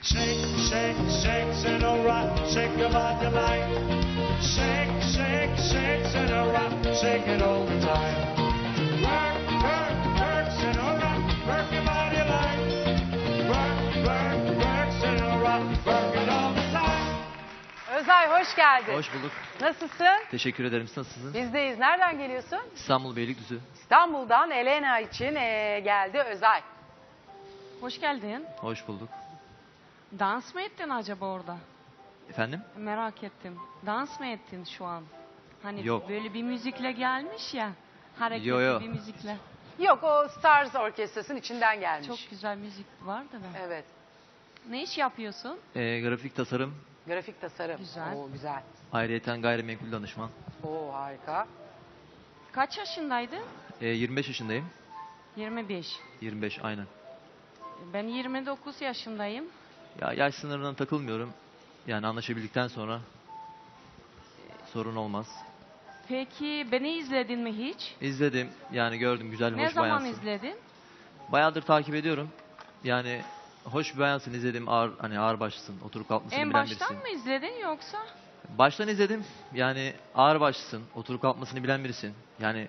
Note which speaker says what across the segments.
Speaker 1: Shake, shake, shake, sit rock, shake your body like. Shake, shake, shake, sit rock, shake it all the time. Work, work, work, sit rock, work your body like. Work, work, work, sit rock, work it all the time.
Speaker 2: Özay hoş geldin.
Speaker 3: Hoş bulduk.
Speaker 2: Nasılsın?
Speaker 3: Teşekkür ederim. Siz nasılsınız?
Speaker 2: Bizdeyiz. Nereden geliyorsun?
Speaker 3: İstanbul Beylikdüzü.
Speaker 2: İstanbul'dan Elena için geldi Özay.
Speaker 4: Hoş geldin.
Speaker 3: Hoş bulduk.
Speaker 4: Dans mı ettin acaba orada?
Speaker 3: Efendim?
Speaker 4: Merak ettim. Dans mı ettin şu an? Hani
Speaker 3: Yok.
Speaker 4: böyle bir müzikle gelmiş ya. Hareketli
Speaker 3: Yo.
Speaker 4: bir müzikle.
Speaker 2: Yok o Stars Orkestrası'nın içinden gelmiş.
Speaker 4: Çok güzel müzik var da ben.
Speaker 2: Evet.
Speaker 4: Ne iş yapıyorsun?
Speaker 3: Grafik tasarım,
Speaker 2: Grafik tasarım.
Speaker 4: Güzel.
Speaker 2: Oo, güzel.
Speaker 3: ayrıyeten gayrimenkul danışman.
Speaker 2: Oo harika.
Speaker 4: Kaç yaşındaydın?
Speaker 3: 25 yaşındayım.
Speaker 4: 25.
Speaker 3: 25 aynen.
Speaker 4: Ben 29 yaşındayım.
Speaker 3: Ya yaş sınırına takılmıyorum. Yani anlaşabildikten sonra sorun olmaz.
Speaker 4: Peki beni izledin mi hiç?
Speaker 3: İzledim. Yani gördüm güzel,
Speaker 4: Ne
Speaker 3: hoş
Speaker 4: zaman
Speaker 3: bayansın.
Speaker 4: izledin?
Speaker 3: Bayağıdır takip ediyorum. Yani hoş bir bayansın, izledim. Ağır başlısın. Oturup kalkmasını
Speaker 4: En
Speaker 3: bilen
Speaker 4: baştan
Speaker 3: birisin.
Speaker 4: mı izledin yoksa?
Speaker 3: Baştan izledim. Yani ağır başlısın. Oturup kalkmasını bilen birisin. Yani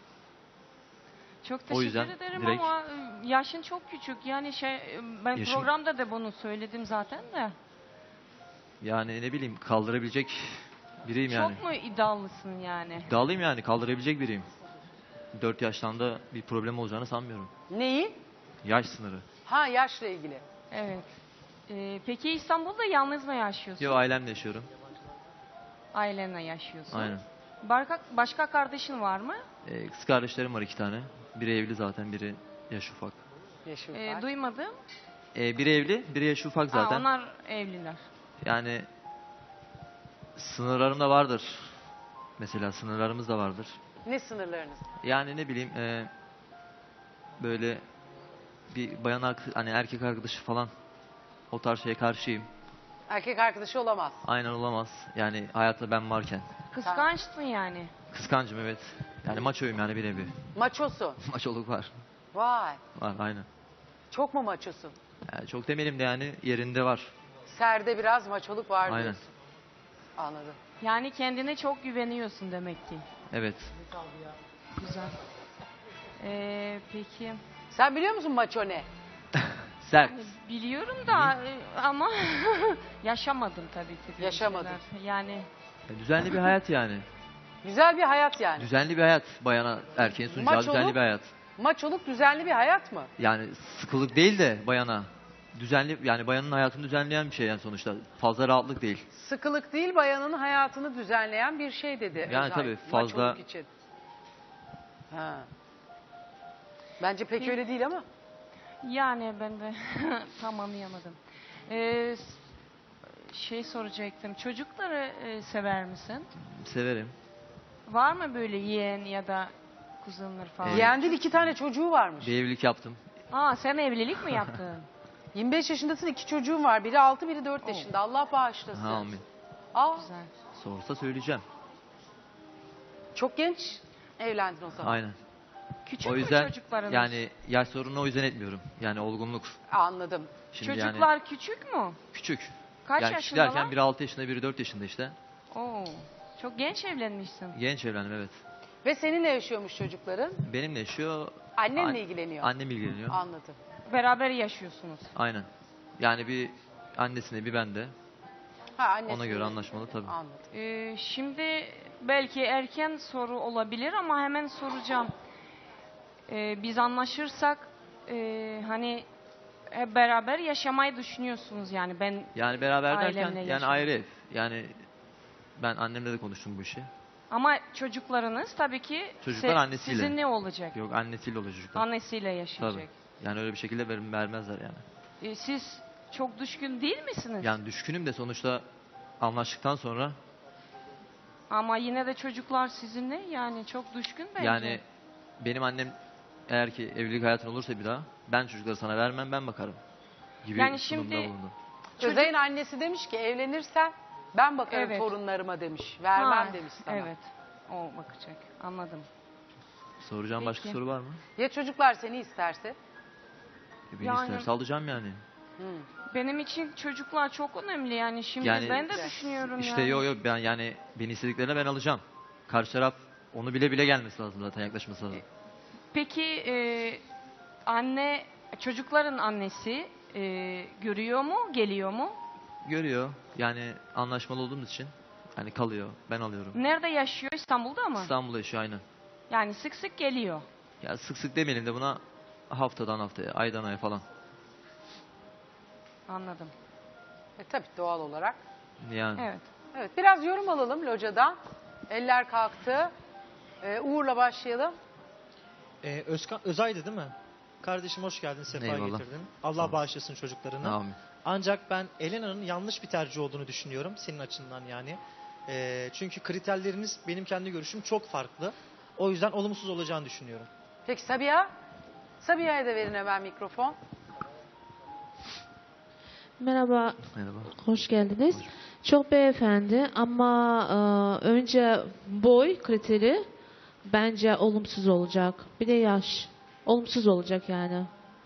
Speaker 4: Çok
Speaker 3: O
Speaker 4: teşekkür
Speaker 3: yüzden
Speaker 4: ederim
Speaker 3: direkt-
Speaker 4: ama yaşın çok küçük. Yani ben
Speaker 3: Yaşım-
Speaker 4: programda da bunu söyledim zaten de.
Speaker 3: yani ne bileyim, kaldırabilecek biriyim yani.
Speaker 4: Çok mu iddialısın yani?
Speaker 3: İddialıyım yani, kaldırabilecek biriyim. 4 yaştan da bir problem olacağını sanmıyorum.
Speaker 2: Neyi?
Speaker 3: Yaş sınırı.
Speaker 2: Ha yaşla ilgili.
Speaker 4: Evet. Peki İstanbul'da yalnız mı yaşıyorsun?
Speaker 3: Yo, ailemle yaşıyorum.
Speaker 4: Ailenle yaşıyorsun.
Speaker 3: Aynen.
Speaker 4: Başka kardeşin var mı?
Speaker 3: Kız kardeşlerim var 2 tane. Biri evli zaten, biri yaş ufak.
Speaker 2: Yeşil var.
Speaker 4: Duymadım.
Speaker 3: Biri evli, biri yaş ufak zaten.
Speaker 4: Onlar evliler.
Speaker 3: Yani sınırlarım da vardır. Mesela sınırlarımız da vardır.
Speaker 2: Ne sınırlarınız?
Speaker 3: Yani ne bileyim, böyle bir bayan hani erkek arkadaşı falan, o tarz şeye karşıyım.
Speaker 2: Erkek arkadaşı olamaz.
Speaker 3: Aynen, olamaz. Yani hayatta ben varken.
Speaker 4: Kıskançsın yani.
Speaker 3: Kıskancım, evet. Yani maçoyum yani, bir nevi.
Speaker 2: Maçosun.
Speaker 3: Maçoluk var.
Speaker 2: Vay.
Speaker 3: Var aynen.
Speaker 2: Çok mu maçosun?
Speaker 3: Yani çok demeyelim de yani yerinde var.
Speaker 2: Serde biraz maçoluk var
Speaker 3: Aynen.
Speaker 2: diyorsun. Anladım.
Speaker 4: Yani kendine çok güveniyorsun demek ki.
Speaker 3: Evet.
Speaker 4: Güzel. Peki.
Speaker 2: Sen biliyor musun maço ne?
Speaker 3: Sert.
Speaker 4: Biliyorum da ama yaşamadım tabii ki. böyle
Speaker 2: Yaşamadın.
Speaker 4: şeyler. Yani
Speaker 3: Düzenli bir hayat yani.
Speaker 2: Güzel bir hayat yani.
Speaker 3: Düzenli bir hayat. Bayana, erkeğin sunacağı
Speaker 2: Maçoluk-
Speaker 3: düzenli bir hayat.
Speaker 2: Maçoluk düzenli bir hayat mı?
Speaker 3: Yani sıkılık değil de bayana. Düzenli, yani bayanın hayatını düzenleyen bir şey yani sonuçta. Fazla rahatlık değil.
Speaker 2: Sıkılık değil bayanın hayatını düzenleyen bir şey dedi.
Speaker 3: Yani
Speaker 2: Özay,
Speaker 3: tabii fazla-
Speaker 2: maçoluk için. Ha. Bence pek
Speaker 4: Peki.
Speaker 2: öyle değil ama.
Speaker 4: yani ben de tam anlayamadım. Soracaktım. Çocukları sever misin?
Speaker 3: Severim.
Speaker 4: Var mı böyle yeğen ya da kuzenler falan?
Speaker 3: Evet.
Speaker 2: Yeğen değil 2 tane çocuğu varmış.
Speaker 3: Bir evlilik yaptım.
Speaker 4: Sen evlilik mi yaptın?
Speaker 2: 25 yaşındasın 2 çocuğun var. Biri 6 biri 4 yaşında. Allah bağışlasın.
Speaker 3: Ha, amin.
Speaker 2: Aa,
Speaker 4: Güzel.
Speaker 3: Sorsa söyleyeceğim.
Speaker 2: çok genç evlendin o zaman.
Speaker 3: Aynen.
Speaker 4: Küçük
Speaker 3: O
Speaker 4: mü
Speaker 3: yüzden
Speaker 4: çocuklarınız?
Speaker 3: yani yaş sorununu o yüzden etmiyorum. Yani olgunluk.
Speaker 2: Anladım.
Speaker 3: Şimdi
Speaker 4: Çocuklar
Speaker 3: yani
Speaker 4: küçük mü?
Speaker 3: küçük.
Speaker 4: Kaç
Speaker 3: Yani küçük
Speaker 4: yaşındalar?
Speaker 3: derken biri 6 yaşında, biri 4 yaşında işte.
Speaker 4: Oo, çok genç evlenmişsin.
Speaker 3: Genç evlendim, evet.
Speaker 2: Ve seninle yaşıyormuş çocukların.
Speaker 3: Benimle yaşıyor.
Speaker 2: Annenle ilgileniyor.
Speaker 3: Annem ilgileniyor.
Speaker 2: Anladım.
Speaker 4: Beraber yaşıyorsunuz.
Speaker 3: Aynen. Yani bir annesine, bir bende.
Speaker 2: Ha, annesi
Speaker 3: Ona göre anlaşmalı tabii.
Speaker 2: Anladım.
Speaker 4: Şimdi belki erken soru olabilir ama hemen soracağım. Biz anlaşırsak hani hep beraber yaşamayı düşünüyorsunuz yani ben
Speaker 3: Yani beraber derken
Speaker 4: Ailemle
Speaker 3: yani
Speaker 4: yaşamak.
Speaker 3: ayrı ev. Yani ben annemle de konuştum bu işi.
Speaker 4: ama çocuklarınız tabii ki
Speaker 3: Çocuklar annesiyle.
Speaker 4: sizinle olacak.
Speaker 3: Yok, annesiyle olacak çocuklar.
Speaker 4: Annesiyle yaşayacak.
Speaker 3: Tabii. Yani öyle bir şekilde vermezler yani.
Speaker 4: Siz çok düşkün değil misiniz?
Speaker 3: Yani düşkünüm de sonuçta anlaştıktan sonra
Speaker 4: Ama yine de çocuklar sizinle yani çok düşkün bence.
Speaker 3: yani benim annem eğer ki evlilik hayatın olursa bir daha ben çocukları sana vermem, ben bakarım gibi
Speaker 4: Yani
Speaker 3: sunumda
Speaker 4: şimdi-
Speaker 3: bulundum.
Speaker 2: Özay'ın annesi demiş ki evlenirsen ben bakarım
Speaker 4: Evet.
Speaker 2: torunlarıma demiş. Vermem
Speaker 4: Ha,
Speaker 2: demiş sana.
Speaker 4: Evet. O bakacak. Anladım.
Speaker 3: Soracağım başka
Speaker 4: Peki.
Speaker 3: soru var mı?
Speaker 2: Ya çocuklar seni isterse?
Speaker 3: Beni
Speaker 4: Yani-
Speaker 3: isterse alacağım yani.
Speaker 4: Benim için çocuklar çok önemli yani şimdi
Speaker 3: Yani
Speaker 4: ben de düşünüyorum
Speaker 3: İşte
Speaker 4: yani.
Speaker 3: yo ben yani beni istediklerine ben alacağım. Karşı taraf onu bile bile gelmesi lazım zaten, yaklaşması lazım.
Speaker 4: Peki anne, çocukların annesi görüyor mu, geliyor mu?
Speaker 3: Görüyor. Yani anlaşmalı olduğumuz için hani kalıyor. Ben alıyorum.
Speaker 4: Nerede yaşıyor? İstanbul'da mı?
Speaker 3: İstanbul'da yaşıyor aynen.
Speaker 4: Yani sık sık geliyor.
Speaker 3: Ya sık sık demeyelim de buna, haftadan haftaya, aydan aya falan.
Speaker 4: Anladım.
Speaker 2: Tabii doğal olarak.
Speaker 3: Yani.
Speaker 4: Evet.
Speaker 2: Evet, biraz yorum alalım locadan. Eller kalktı. Uğur'la başlayalım.
Speaker 5: Özay'dı değil mi? Kardeşim hoş geldin, sefa
Speaker 3: Eyvallah.
Speaker 5: getirdin. Allah bağışlasın çocuklarını.
Speaker 3: Amin.
Speaker 5: Ancak ben Elena'nın yanlış bir tercih olduğunu düşünüyorum senin açından yani. Çünkü kriterleriniz benim kendi görüşüm çok farklı. O yüzden olumsuz olacağını düşünüyorum.
Speaker 2: Peki Sabiha? Sabiha'ya da verin hemen mikrofon.
Speaker 6: Merhaba,
Speaker 3: Merhaba.
Speaker 6: hoş geldiniz. Çok beyefendi ama önce boy kriteri bence olumsuz olacak. Bir de yaş. Olumsuz olacak yani.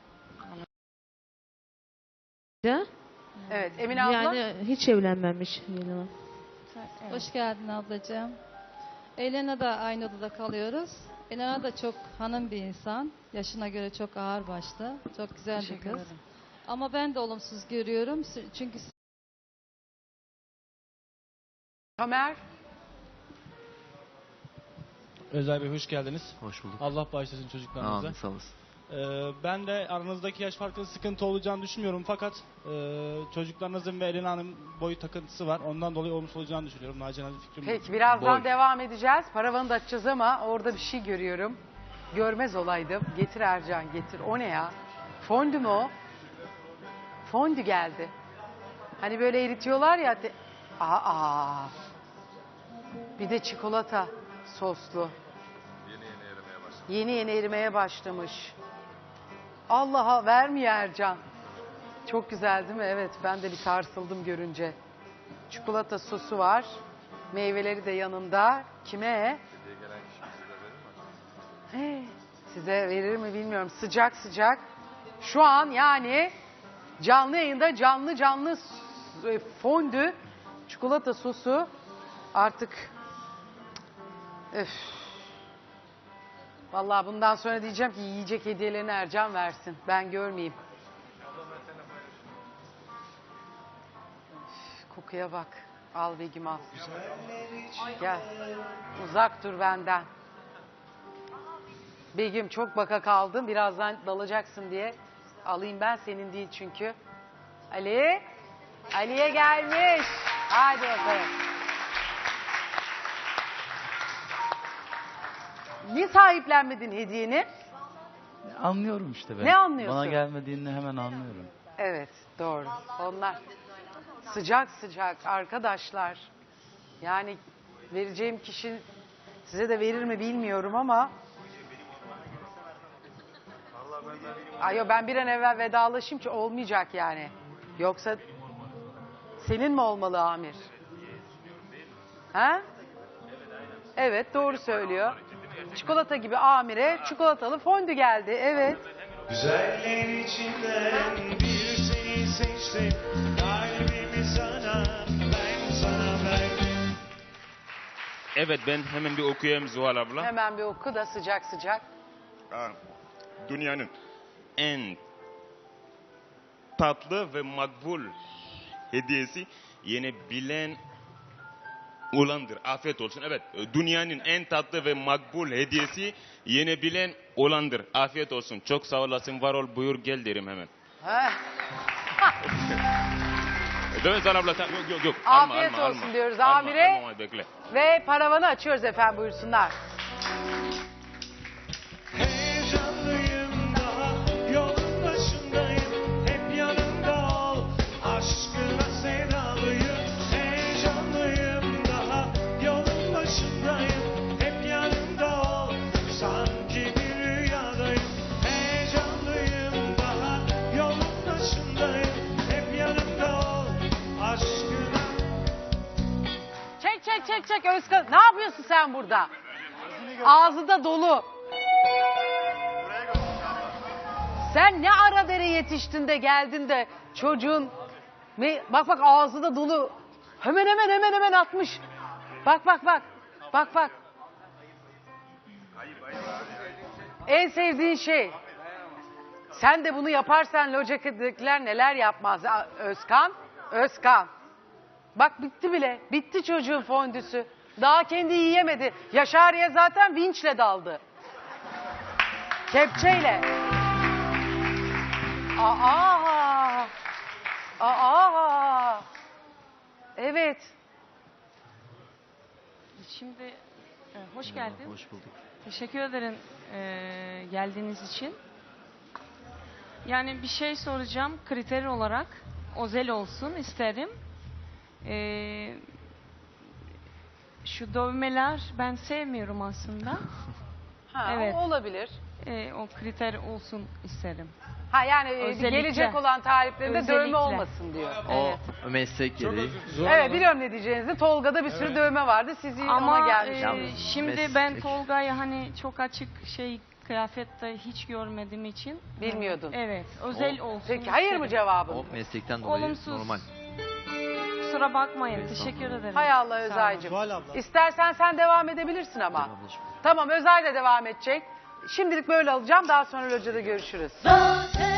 Speaker 2: Evet, Emine abla.
Speaker 6: Yani hiç evlenmemiş. Yelena.
Speaker 7: Hoş geldin ablacığım. Elena da aynı odada kalıyoruz. Elena da çok hanım bir insan. Yaşına göre çok ağırbaşlı. Çok güzel bir
Speaker 2: Teşekkür
Speaker 7: kız.
Speaker 2: ederim.
Speaker 7: Ama ben de olumsuz görüyorum. Çünkü
Speaker 2: Tamer.
Speaker 8: Özay Bey hoş geldiniz.
Speaker 3: Hoş bulduk.
Speaker 8: Allah bağışlasın çocuklarınıza.
Speaker 3: Amin, sağ olasın.
Speaker 8: Ben de aranızdaki yaş farkının sıkıntı olacağını düşünmüyorum. Fakat çocuklarınızın ve Elena'nın boy takıntısı var. Ondan dolayı olumsuz olacağını düşünüyorum. Nacizane fikrim bu.
Speaker 2: Peki birazdan
Speaker 3: Boy.
Speaker 2: devam edeceğiz. Paravanı da açacağız ama orada bir şey görüyorum. Görmez olaydım. Getir Ercan getir. O ne ya? Fondü mü o? Fondü geldi. Hani böyle eritiyorlar ya. Aa. Bir de çikolata soslu. Yeni yeni erimeye başlamış. Allah'a vermiyor Ercan. Çok güzel değil mi? Evet, ben de bir sarsıldım görünce. Çikolata sosu var. Meyveleri de yanında. Kime? Size verir mi bilmiyorum. Sıcak sıcak. Şu an yani canlı yayında canlı fondü, çikolata sosu artık öf. Vallahi bundan sonra diyeceğim ki yiyecek hediyelerini Ercan versin. Ben görmeyeyim. Üf, kokuya bak. Al Begüm al. Gel. Uzak dur benden. Begüm çok baka kaldın. Birazdan dalacaksın diye. Alayım ben, senin değil çünkü. Ali. Ali'ye gelmiş. Hadi bakalım. Niye sahiplenmedin hediyeni?
Speaker 9: Anlıyorum işte ben.
Speaker 2: Ne anlıyorsun?
Speaker 9: Bana gelmediğini hemen anlıyorum.
Speaker 2: Evet, doğru. Onlar sıcak sıcak arkadaşlar. Yani vereceğim kişi size de verir mi bilmiyorum ama. Ayo, ben bir an evvel vedalaşayım ki olmayacak yani. Yoksa senin mi olmalı Amir? Ha? Evet, doğru söylüyor. Çikolata gibi Amir'e çikolatalı fondü geldi. Evet.
Speaker 1: Güzeller içinden bir seni seçtim. Kalbimi sana, ben sana verdim.
Speaker 10: Evet, ben hemen bir okuyayım Zuhal abla.
Speaker 2: Hemen bir oku da sıcak sıcak.
Speaker 10: Dünyanın en tatlı ve makbul hediyesi yenebilen olandır. Afiyet olsun. Evet, dünyanın en tatlı ve makbul hediyesi yenebilen olandır. Afiyet olsun. Çok sağ olasın, var ol, buyur gel derim hemen.
Speaker 2: Heh.
Speaker 10: Değil mi Zuhal abla? Yok.
Speaker 2: Afiyet olsun diyoruz Amir'e.
Speaker 10: Alma, bekle.
Speaker 2: Ve paravanı açıyoruz efendim, buyursunlar.
Speaker 1: Heyecanlıyım, daha yolun başındayım. Hep yanımda ol, aşkına sevdalıyım. Heyecanlıyım, daha yolun başındayım. Hep yanımda ol, sanki bir rüyadayım. Heyecanlıyım, daha yolun başındayım. Hep yanımda ol, aşkına.
Speaker 2: Çek Özkan. Ne yapıyorsun sen burada? Ağzı da dolu. Sen ne ara dere yetiştin de geldin de Çocuğun bak bak ağzı da dolu. Hemen atmış. Bak. Bak. En sevdiğin şey. Sen de bunu yaparsan Loca'dakiler neler yapmaz. Özkan. Bak bitti bile. Bitti çocuğun fondüsü. Daha kendi yiyemedi. Yaşariye zaten vinçle daldı. Kepçeyle. Evet.
Speaker 4: Şimdi hoş geldin.
Speaker 3: Hoş bulduk.
Speaker 4: Teşekkür ederim geldiğiniz için. Yani bir şey soracağım. Kriter olarak özel olsun isterim. Şu dövmeler ben sevmiyorum aslında. Evet.
Speaker 2: Olabilir.
Speaker 4: O kriter olsun isterim.
Speaker 2: Ha yani
Speaker 4: Özellikle.
Speaker 2: gelecek olan taliplerinde
Speaker 4: Özellikle.
Speaker 2: dövme olmasın diyor.
Speaker 4: Evet.
Speaker 3: O meslek gereği.
Speaker 2: Evet biliyorum ne diyeceğinizi. Tolga'da bir sürü dövme vardı. Sizi ona
Speaker 4: Ama
Speaker 2: gelmiş.
Speaker 4: şimdi
Speaker 3: meslek.
Speaker 4: ben Tolga'yı hani çok açık kıyafette hiç görmediğim için.
Speaker 2: Bilmiyordun.
Speaker 4: Evet. Özel olsun.
Speaker 2: Peki hayır mı
Speaker 4: isterim.
Speaker 2: cevabın?
Speaker 3: O meslekten dolayı
Speaker 4: Olumsuz.
Speaker 3: normal.
Speaker 4: Kusura bakmayın.
Speaker 3: Evet,
Speaker 4: Teşekkür ederim.
Speaker 2: Hay Allah
Speaker 4: Sağ olun.
Speaker 2: Özay'cığım.
Speaker 5: Zuhal abla.
Speaker 2: İstersen sen devam edebilirsin ama.
Speaker 3: Tamam ablacığım.
Speaker 2: Tamam Özay da devam edecek. Şimdilik böyle alacağım. Daha sonra locada görüşürüz.
Speaker 11: Zaten